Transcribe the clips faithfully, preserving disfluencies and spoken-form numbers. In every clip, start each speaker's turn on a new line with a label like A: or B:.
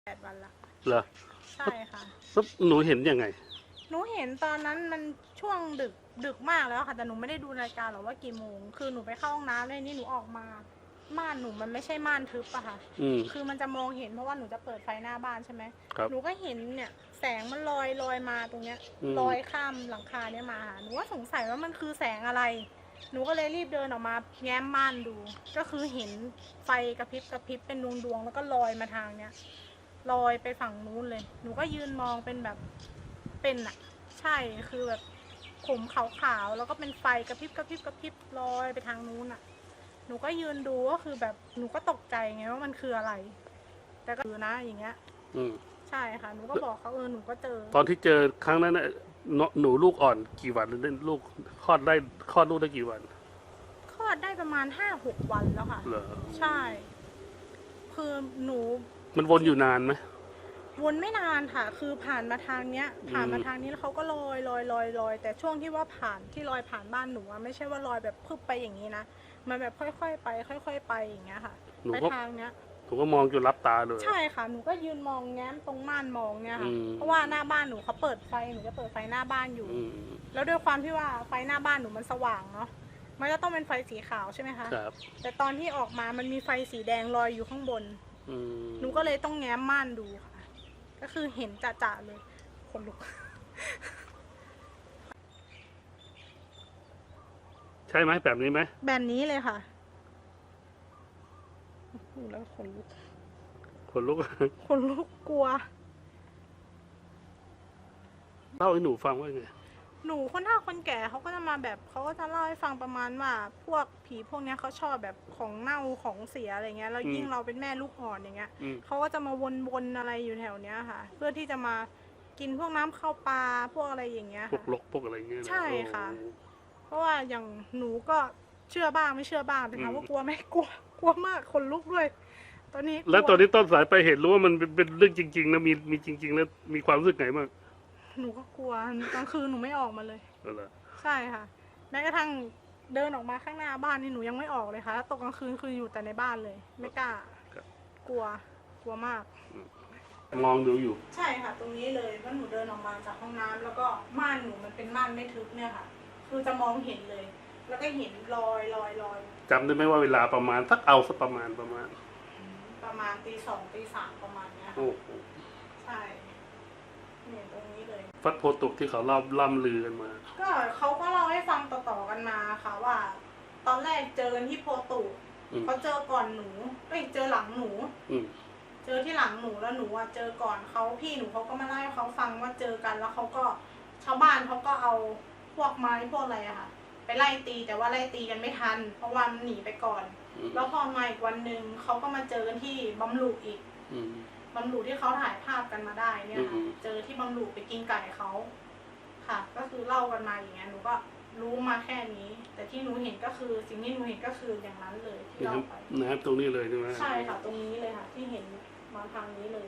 A: แปดวันละ
B: เหรอ
A: ใช่ค่ะ
B: แล้วหนูเห็นยังไง
A: หนูเห็นตอนนั้นมันช่วงดึกดึกมากแล้วค่ะแต่หนูไม่ได้ดูนาฬิกาหรอกว่ากี่โมงคือหนูไปเข้าห้องน้ำเลยนี่หนูออกมาม่านหนูมันไม่ใช่ม่านทึบอะค่ะคือมันจะมองเห็นเพราะว่าหนูจะเปิดไฟหน้าบ้านใช่ไหมหนูก็เห็นเนี่ยแสงมันลอยลอยมาตรงเนี้ยลอยข้ามหลังคาเนี่ยมาหนูว่าสงสัยว่ามันคือแสงอะไรหนูก็เลยรีบเดินออกมาแง้มม่านดูก็คือเห็นไฟกระพริบกระพริบเป็นดวงดวงแล้วก็ลอยมาทางเนี้ยลอยไปฝั่งนู้นเลยหนูก็ยืนมองเป็นแบบเป็นอะใช่คือแบบผมขาวๆแล้วก็เป็นไฟกระพริบกระพริบกระพริบลอยไปทางนู้นอะหนูก็ยืนดูก็คือแบบหนูก็ตกใจไงว่ามันคืออะไร แต่ก็คือนะอย่างเงี้ยอืมใช่ค่ะหนูก็บอกเขาเออหนูก็เจอ
B: ตอนที่เจอครั้งนั้นน่ะหนูลูกอ่อนกี่วันลูกคลอดได้คลอดลูกได้กี่วัน
A: คลอดได้ประมาณห้าหกวันแล้วค่ะ
B: เหรอ
A: ใช่คือหนู
B: มันวนอยู่นานไหม
A: วนไม่นานค่ะคือผ่านมาทางเนี้ยผ่านมาทางนี้แล้วเขาก็ลอยลอยลอยลอยแต่ช่วงที่ว่าผ่านที่ลอยผ่านบ้านหนูอะไม่ใช่ว่าลอยแบบพึบไปอย่างนี้นะมันแบบค่อยๆไปค่อยๆไปอย่างเงี้ยค่ะไปทางเนี้ย
B: หนูก็มองจนรับตาเลย
A: ใช่ค่ะหนูก็ยืนมองแง้มตรงม่านมองเนี่ยค่ะเพราะว่าหน้าบ้านหนูเขาเปิดไฟหนูจะเปิดไฟหน้าบ้านอยู่แล้วด้วยความที่ว่าไฟหน้าบ้านหนูมันสว่างเนาะมันจะต้องเป็นไฟสีขาวใช่ไหมคะครับแต่ตอนที่ออกมามันมีไฟสีแดงลอยอยู่ข้างบนหนูก็เลยต้องแง้มม่านดูค่ะก็คือเห็นจ่าๆเลยขนลุก
B: ใช่ไหมแบบนี้ไหม
A: แบบนี้เลยค่ะดูแล้วขนลุก
B: ขนลุก
A: ขนลุกกลัว
B: เล่าให้หนูฟังว่าไง
A: หนูคนเฒ่าคนแก่เขาก็จะมาแบบเขาก็จะเล่าให้ฟังประมาณว่าพวกผีพวกนี้เขาชอบแบบของเน่าของเสียอะไรเงี้ยแล้วยิ่งเราเป็นแม่ลูกอ่อนอย่างเงี้ยเขาก็จะมาวนๆอะไรอยู่แถวเนี้ยค่ะเพื่อที่จะมากินพวกน้ำข้าวปลาพวกอะไรอย่างเงี้ย
B: พวกลกพวกอะไรเงี้ย
A: ใช่ค่ะเพราะว่าอย่างหนูก็เชื่อบ้างไม่เชื่อบ้างแต่ถามว่ากลัวไหมกลัวกลัวมากขนลุกด้วยตอนนี้
B: แล้วตอนนี้ต้นสายไปเห็นรู้ว่ามันเป็นเรื่องจริงๆนะมีมีจริงๆแล้วมีความรู้สึกไงบ้าง
A: หนูก็กลัวกลางคืนหนูไม่ออกมาเลยใช่ค่ะแม้กระทั่งเดินออกมาข้างหน้าบ้านนี่หนูยังไม่ออกเลยค่ะตกกลางคืนคืออยู่แต่ในบ้านเลยไม่กล้ากลัวกลัวมาก
B: มองดูอยู่
A: ใช่ค่ะตรงนี้เลยว่าหนูเดินออกมาจากห้องน้ำแล้วก็ม่านหนูมันเป็นม่านไม่ทึบเนี่ยค่ะคือจะมองเห็นเลยแล้วก็เห็นรอยรอยรอย
B: จำได้ไหมว่าเวลาประมาณสักเอาสักประมาณประมาณ
A: ประมาณตีสองตีสามประมาณนี้ค่ะใช่เนี่ยตรงนี้เลย
B: ฟัดโพตุกที่เขาเล่าล่ำลือกันมา
A: ก็เขาก็เล่าให้ฟังต่อๆกันมาค่ะว่าตอนแรกเจอกันที่โพตุเขาเจอก่อนหนูไม่เจอหลังหนูเจอที่หลังหนูแล้วหนูอ่ะเจอก่อนเขาพี่หนูเขาก็มาเล่าให้เขาฟังว่าเจอกันแล้วเขาก็ชาวบ้านเขาก็เอาพวกไม้พวกอะไรอะค่ะไปไล่ตีแต่ว่าไล่ตีกันไม่ทันเพราะว่ามันหนีไปก่อนแล้วพอมาอีกวันหนึ่งเขาก็มาเจอกันที่บำรุอีกบำรุที่เขาถ่ายภาพกันมาได้เนี่ยค่ะเจอที่บำรุไปกินไก่เขาค่ะก็คือเล่ากันมาอย่างเงี้ยหนูก็รู้มาแค่นี้แต่ที่หนูเห็นก็คือสิ่งที่หนูเห็นก็คืออย่างนั้นเลยที่เล่าไป
B: นะครับตรงนี้เลยใช่ไหม
A: ใช่ค่ะตรงนี้เลยค่ะที่เห็นมาทางนี้เลย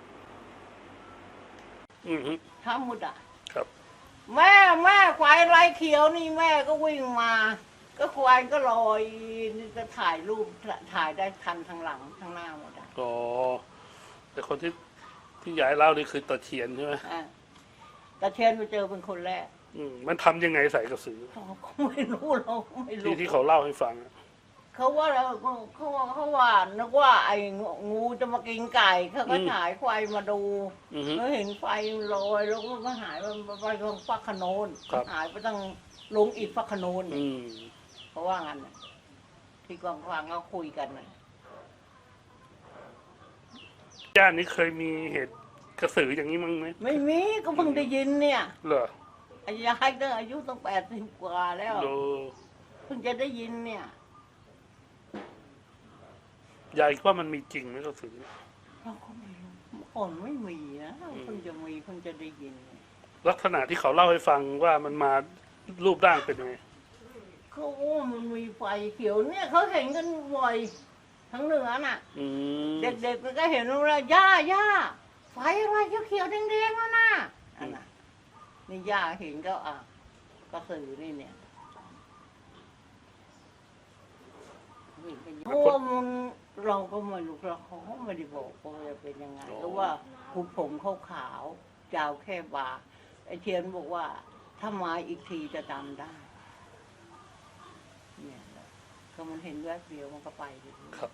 B: อืม
C: ทั้งหมดอ่ะ
B: ครับ
C: แม่แม่ควายลายเขียวนี่แม่ก็วิ่งมาก็ควายก็ลอยนี่จะถ่ายรูปถ่ายได้ทันทางหลังทางหน้าหมดอ่ะ
B: อ๋อแต่คนที่ที่ย้ายเล่านี่คือตะเทียนใช่ไหม
C: ตะเทียนไปเจอเป็นคนแรก
B: อืมมันทำยังไงใส่กระสือ
C: เขาไม่รู้เราไม่รู้
B: ที่ที่เขาเล่าให้ฟัง
C: เขาว่าเราเขาว่าเขาว่านึกว่าไอ้งูจะมากินไก่เขาก็ถ่ายควายมาดูแล้วเห็นไฟลอยแล้วก็มาหายไปไปทางฟักขนนหายไปทางลงอีกฟักขนนเพราะว่างั้นที่กองฟังเขาคุยกันนะ
B: ย่านนี้เคยมีเหตุกระสืออย่างนี้มั้งไหม
C: ไม่มีก็เพิ่งได้ยินเนี่ย
B: เหรอ
C: อายุให้ตั้งอายุตั้งแปดสิบกว่าแล้วเพิ่งจะได้ยินเนี่ย
B: ยายคิดว่ามันมีจริงไหมกระสือ
C: เราก็ไม่รู้ก่อนไม่มีนะเพิ่งจะมีเพิ่งจะได้ยิน
B: ลักษณะที่เขาเล่าให้ฟังว่ามันมารูปร่างเป็นยังไง
C: เขาว่ามันมีไฟเขียวเนี่ยเขาเห็นกันบ่อยทั้งเหนือน่ะเด็กๆก็เห็นว่าย่าย่าไฟอะไรเขียวๆแดงๆแล้วนะอันน่ะนี่ย่าเห็นก็อ่ะกระสือนี่เนี่ยเห็นกันอยู่เพราะว่ามันเราก็ไม่รู้เราเขาก็ไม่ได้บอกว่าจะเป็นยังไงก็ว่าคุณผมเขาขาวจาวแค่บาไอเทียนบอกว่าถ้ามาอีกทีจะจำได้เนี่ยก็มันเห็นแวบเดียวมันก็ไปเลย
B: ครับ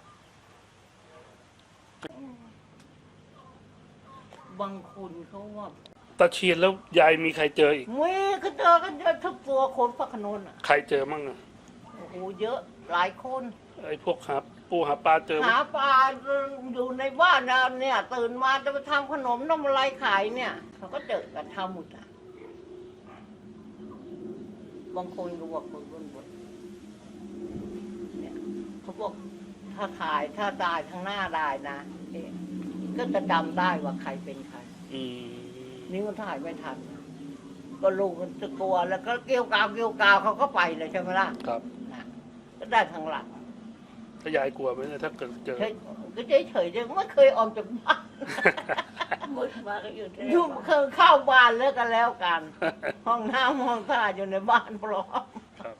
C: บางคนเขาว่า
B: ตาเชียนแล้วยายมีใครเจออีก
C: มีเขาเจอกันเยอะทุกตัวคนพระโขนงอ่ะ
B: ใครเจอมั่งอะ
C: โอ้โหเยอะหลายคน
B: ไอ้พวกหาปูหาปลาเจอไหม
C: หาปลาอยู่ในบ้านนะเนี่ย ตื่นมาจะไปทำขนมน้ำอะไรขายเนี่ยเขาก็เจอกันทำหมดอ่ะบางคนก็บอกคนบนบนเนี่ยเขาบอกถ้าขายถ้าได้ทางหน้าได้นะเอ๊ะก็จะจำได้ว่าใครเป็นใคร
B: อืม
C: นี่มันถ่ายไม่ทัน ก็ลูกมันจะกลัวแล้วก็เกี่ยวกาวเกี่ยวกาวเขาก็ไปเลยใช่ไหมล่ะ
B: ครับ
C: นะก็ได้ทางหลัง
B: ถ้ายายกลัวไหมเนี่ยถ้าเกิดเจอ
C: เฉยก็เฉยเฉยๆยังไม่เคยออกจากบ้านมืดมาก็อยู่ยุ่งเคยเข้าบ้านแล้วกันแล้วกัน ห้องน้ำห้องท่าอยู่ในบ้านพร้อม
B: ครับ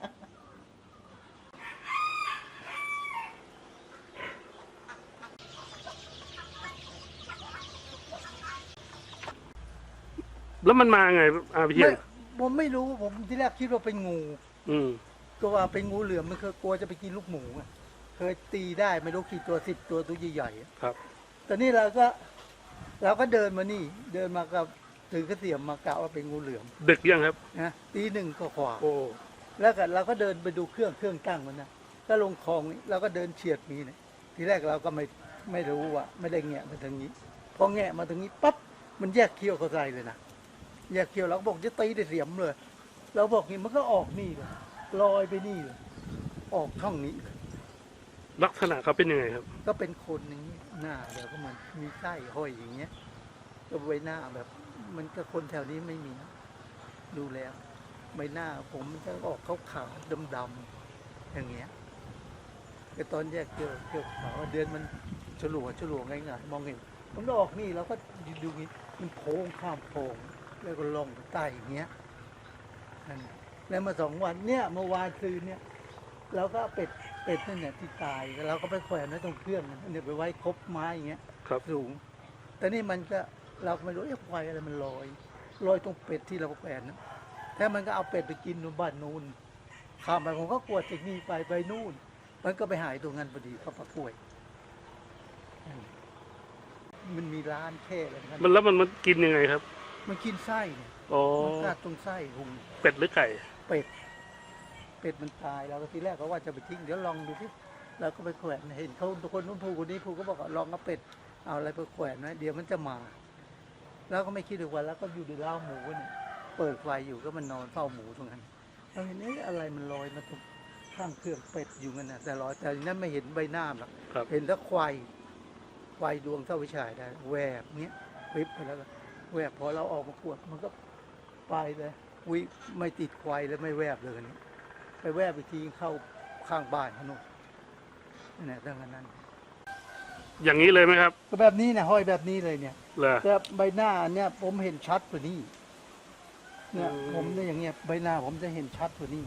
B: แล้วมันมาไงอาพี่เทีย
D: ไม่
B: น
D: ผมไม่รู้ผมที่แรกคิดว่าเป็นงู
B: อืม
D: ก็ว่าเป็นงูเหลือมมันเคยกลัวจะไปกินลูกหมูอะเคยตีได้ไม่รู้กี่ตัวสิบตัวตัวใหญ่ๆอะ
B: ครับ
D: ตอนนี้เราก็เราก็เดินมานี่ เดินมากับถือกระเสียมมากะว่าเป็นงูเหลือม
B: ดึกยังครับ
D: นะตีหนึ่งก็ขวา
B: โอ้
D: แล้วก็เราก็เดินไปดูเครื่องเครื่องตั้งมันนะก็ลงคลองนี่เราก็เดินเฉียดมีเนี่ยทีแรกเราก็ไม่ไม่รู้ว่าไม่ได้แงะมาทางนี้พอแงะมาทางนี้ปั๊บมันแยกเขี้ยวเข้าใส่เลยนะแยกเขี้ยวเราก็บอกจะตีได้เสียมเลย เราบอกนี่มันก็ออกนี่เลยลอยไปนี่เลยออกช่องนี้เลย
B: ลักษณะเขาเป็นยังไงครับ
D: ก็เป็นคนอย่างนี้หน้าเดี๋ยวก็มันมีไส้ห้อยอย่างเงี้ยก็ใบหน้าแบบ มันก็คนแถวนี้ไม่มีนะดูแล้วใบหน้าผมมันจะออกขาวๆดำๆอย่างเงี้ยแต่ตอนแยกเจอเจอขาวเดือนมันฉลวฉลวง่ายๆมองเห็นมันก็ออกนี่เราก็ดูงี้มันโค้งข้ามโค้งแล้วก็ลงใต้อย่างเงี้ยนั่นแล้วมาสองวันเนี่ยเมื่อวานคืนเนี่ยเราก็เอาเป็ดเป็ดนั่นเนี่ยที่ตายแล้วเราก็ไปแขวนไว้ตรงเครื่องนั่นเนี่ยไปไว้คบไม้อย่างเงี้ย
B: ครับ
D: สูง แต่นี่มันก็เราก็ไม่รู้เอ๊ะควายอะไรมันลอยลอยตรงเป็ดที่เราแขวนนะแต่มันก็เอาเป็ดไปกินนู่นบ้านนู่นข้ามไปผมก็กลัวจากนี่ไปไปนู่น มันก็ไปหายตรงนั้นพอดีเขาปะป่วยอืมมันมีร้านแค่อะไรกัน
B: มันแล้วมันมันกินยังไงครับ
D: มันกินไส้เนี่ย
B: อ๋อ
D: มันกัดตรงไส้หุง
B: เป็ดหรือไก่
D: เป็ด เป็ดมันตายเราก็ทีแรกก็ว่าจะไปทิ้งเดี๋ยวลองดูที่เราก็ไปแขวนเห็นเขาคนนู้นพูคนนี้พูก็บอกว่าลองเอาเป็ดเอาอะไรไปแขวนไว้เดี๋ยวมันจะมา แล้วก็ไม่คิดถึงวันแล้วก็อยู่ในเล้าหมูเนี่ยเปิดไฟอยู่ก็มันนอนเฝ้าหมูตรงนั้นเราเห็นเอ๊ะอะไรมันลอยมาตรงข้างเครื่องเป็ดอยู่กันนะแต่ลอยแต่นั้นไม่เห็นใบหน้าหรอก
B: ครับ
D: เห็นแต่ควายควายดวงเท่าวิชายได้แวบเนี้ยวิบไปแล้วก็แวบพอเราออกมากวดมันก็ไปเลยวิไม่ติดควายแล้วไม่แวบเลยนี่ไปแวบอีกทีเข้าข้างบ้านเขาโน่นนี่แหละดังนั้น
B: อย่างนี้เลยไหมครับ
D: ก็แบบนี้นะห้อยแบบนี้เลยเนี่ย
B: เหรอ
D: แต่ใบหน้าเนี่ยผมเห็นชัดกว่านี้เนี่ย
B: อืม
D: ผมเนี่ยอย่างเงี้ยใบหน้าผมจะเห็นชัดกว่านี้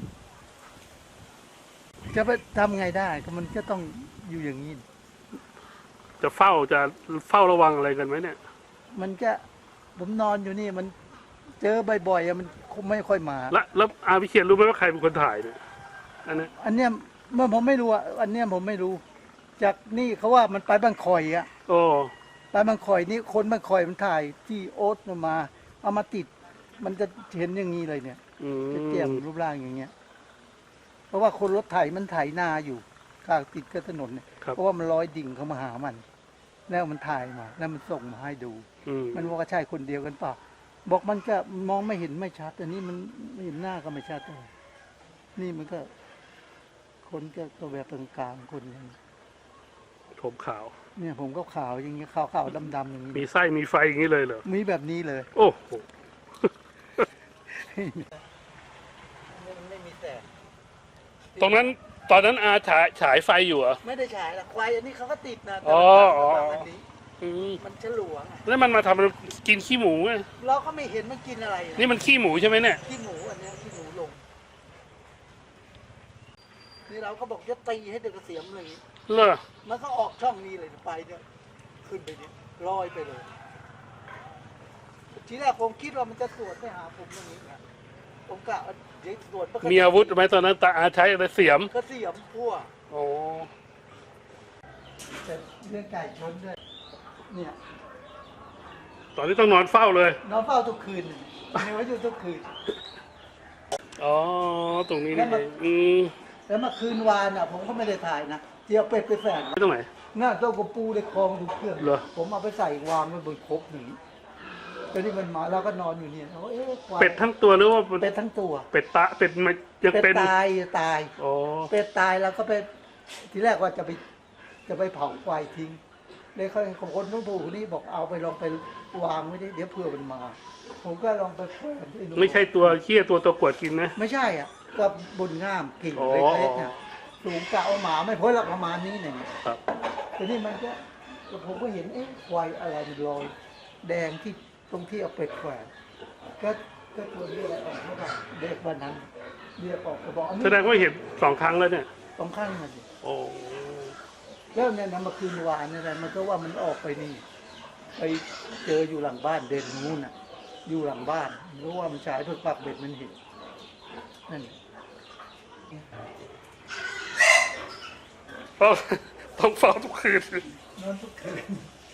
D: จะไปทำไงได้ก็มันก็ต้องอยู่อย่างนี้
B: จะเฝ้าจะเฝ้าระวังอะไรกันไหมเนี่ย
D: มันก็ผมนอนอยู่นี่มันเจอบ่อยๆอะมันคงไม่ค่อยมา
B: แล้วแล้วอาพี่เขียนรู้ไหมว่าใครเป็นคนถ่ายเนี่ยอันนี้
D: อันเนี้ยเมื่อผมไม่รู้อ่ะอันเนี้ยผมไม่รู้ จากนี่เขาว่ามันไปบางคอยอ่ะ
B: โอ้
D: ไปบางคอยนี่คนบางคอยมันถ่ายที่โอ๊ตมา เอามาติด มันจะเห็นอย่างนี้เลยเนี่ย
B: อืม
D: เตี้ยมรูปร่างอย่างเงี้ย เพราะว่าคนรถไถมันไถนาอยู่ข้างติดกับถนนเนี่ย
B: ครับ
D: เพราะว่ามันลอยดิ่งเข้ามาหามัน แล้วมันถ่ายมา แล้วมันส่งมาให้ดู
B: อืม
D: มันว่าใช่คนเดียวกันเปล่าบอกมันก็มองไม่เห็นไม่ชัดแต่นี่มันไม่เห็นหน้าก็ไม่ชัดเลยนี่มันก็ คนก็ก็แบบกลางๆคนอย่างนี้
B: ผมขาว
D: เนี่ยผมก็ขาวอย่างเงี้ยขาวขาวดำๆอย่างนี้
B: มีไส้มีไฟอย่างนี้เลยเหรอ
D: มีแบบนี้เลย
B: โอ้โห
D: ไม่มีแสง
B: ตรงนั้นตอนนั้นอาฉายฉายไฟอยู่เหรอ
D: ไม่ได้ฉายหรอกควายอันนี้เขาก็ติดนะ
B: อ๋ออ๋อ
D: แต่มันนี้
B: อืม
D: มันฉลวงอะ
B: แล้วมันมาทำมันกินขี้หมูไง
D: เราก็ไม่เห็นมันกินอะไรอะ
B: นี่มันขี้หมูใช่ไหมเนี่ย
D: ขี้หมูอันเนี้ยขี้หมูลงนี่เราก็บอกจะตีให้เด็กเกษียมเลย
B: เหรอ
D: มันก็ออกช่องนี้เลยไปเนี่ยขึ้นไปเนี่ยลอยไปเลยทีแรกผมคิดว่ามันจะสวนไปหาผมอย่างนี้นะผมกะว่าเดี๋ยวสวนปกติ
B: มีอาวุธไหมตอนนั้นตาอาใช้อะไรเสียม
D: ก็เสียมพั่ว
B: โอ้
D: แต่เรื่องไก่ชนด้วยเนี่ย
B: ตอนนี้ต้องนอนเฝ้าเลย
D: นอนเฝ้าทุกคืนเนี่ยไว้อยู่ทุกคืน
B: อ๋อตรงนี้นี่เองอืม
D: แล้วเมื่อคืนวานอ่ะผมก็ไม่ได้ถ่ายนะเจียวเป็ดไปแฝง
B: ไม่ตรงไหน
D: หน้าเจ้ากระปูในคลองดูเครื่อง
B: เหรอ
D: ผมเอาไปใส่วางไว้บนครกหนึ่งตอนนี้มันมาเราก็นอนอยู่เนี่ยเอ๊ะควาย
B: เป็ดทั้งตัวหรือว่า
D: เป็ดทั้งตัว
B: เป็ดตาเป็ดมันยัง
D: เป็ด
B: เป็น
D: ตายตาย
B: อ๋อ
D: เป็ดตายแล้วก็ไปทีแรกว่าจะไปจะไปเผาควายทิ้งเลยค่อยคนนู้นผู้นี่บอกเอาไปลองไปวางไว้ดิเดี๋ยวเผื่อมันมา ผมก็ลองไปแขวนที่นู่น
B: ไม่ใช่ตัวเขี้ยตัวตัวกวดกินนะ
D: ไม่ใช่อ่ะก็บุญง่ามกิ่ง
B: อ๋อ
D: เล็กๆเนี่ยสูงกะเอาหมาไม่พ้นหรอกประมาณนี้เนี่ย
B: ครับ
D: ทีนี้มันก็ผมก็เห็นเอ๊ะควายอะไรมันลอยแดงที่ตรงที่เอาเป็ดแขวนก็ก็ตัวนี้อะไรออกเมื่อไหร่เด็กวันนั้นเรียกออกก็บอกอันนี้
B: แสดงว่าเห็นสองครั้งแล้วเนี่ย
D: ตรงข้างมันสิ
B: โอ้
D: แล้วเนี่ยนะเมาคืนวานเนี่ยนะมันก็ว่ามันออกไปนี่ ไปเจออยู่หลังบ้านเด่นนู้นน่ะ อยู่หลังบ้านรู้ว่ามันฉายเพื่อปักเบ็ดมันเห็นนั่น
B: เฝ้าต้องเฝ้าทุกคืน
D: นอนทุกคืน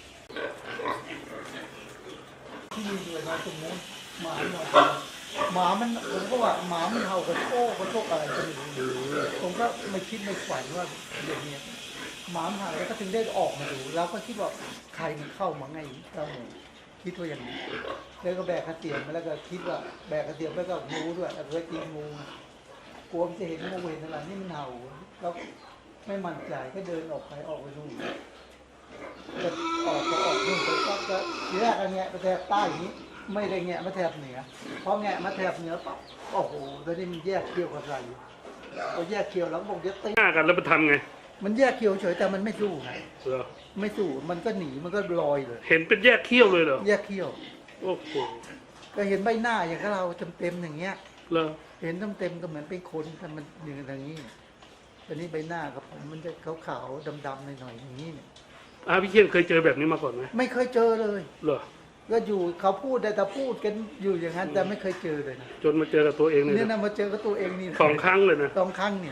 D: ที่นี่ด้วยนอนตรงนู้นหมามันนอนตรงนั้นหมามันผมก็ว่าหมามันเห่ากระโชกกระโชกอะไรก็ไม่รู้ผมก็ไม่คิดไม่ฝันว่าอย่างเนี้ยหมามันเห่าแล้วก็ถึงได้ออกมาดูเราก็คิดว่าใครมันเข้ามาไงเจ้าหมูคิดว่าอย่างนี้แล้วก็แบกกระเตียมมาแล้วก็คิดว่าแบกกระเตียมแล้วก็งูด้วยแล้วก็ตีงูกลัวมันจะเห็นงูเห็นอะไรนี่มันเห่าแล้วไม่มั่นใจก็เดินออกไปออกไปดูจะออกก็ออกนู่นไปปั๊บก็ทีแรกอันแงะมาแถบใต้อย่างนี้ไม่ได้แงะมาแถบเหนือพอแงะมาแถบเหนือปั๊บโอ้โหตอนนี้มันแยกเคี้ยวกับใครพอแยกเคี้ยวแล้วบอกจะตี
B: หน้ากันแล้วมันทำไง
D: มันแยกเคี้ยวเฉยแต่มันไม่สู้ไง
B: เหรอ
D: ไม่สู้มันก็หนีมันก็ลอยเลย
B: เห็นเป็นแยกเขี้ยวเลยเหรอ
D: แยกเคี้ยว
B: โอ้โห
D: ก็เห็นใบหน้าอย่างกับเราเต็มๆอย่างเงี้ย
B: เหรอ
D: เห็นเต็มๆก็เหมือนเป็นคนแต่มันอย่างนี้ตอนนี้ใบหน้ากับผมมันจะขาวๆดำๆหน่อยๆอย่างนี้เนี่ย
B: อาพี่เชียนเคยเจอแบบนี้มาก่อนไหม
D: ไม่เคยเจอเลย
B: เหรอ
D: ก็อยู่เขาพูดแต่แต่พูดกันอยู่อย่างนั้นแต่ไม่เคยเจอเลยนะ
B: จนมาเจอกับตัวเองเลย
D: เนี่ย
B: นะ
D: นะมาเจอกับตัวเองนี่
B: สองครั้งเลยนะ
D: สองครั้งเนี่ย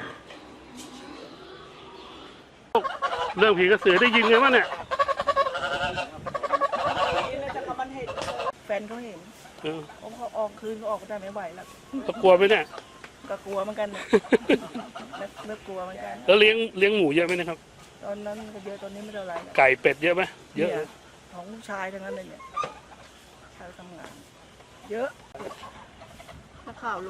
B: เรื่องผีกระสือได้ยินไงวะเนี่ย
E: แฟนเขาเห็น
B: เออ
E: เขาเขาออกคืนก็ออกได้ไม่ไหวแล้ว
B: ตะกลัวไหมเนี่ย
E: ก็กลัวเหมือนกันเนี่ยนึกนึกกลัวเหมือนกัน
B: แล้วเลี้ยงเลี้ยงหมูเยอะไหมนะครับ
E: ตอนนั้นก็เยอะตอนนี้ไม่เท่าไหร่แล้ว
B: ไก่เป็ดเยอะไหมเยอะ
E: นี่ของลูกชายทั้งนั้นเลยเนี่ยชายทำงาน เยอะนักข่าวรู้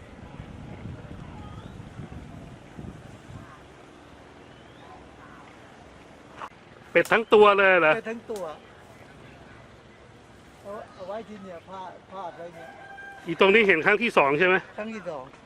B: เป็ดทั้งตัวเลยเหรอ
D: ไปทั้งตัวเอาเอาไว้ที่เนี่ยผ้าผ้าไว้เนี่ย
B: อีตรงนี้เห็นครั้งที่สองใช่ไหม
D: ครั้งที่สอง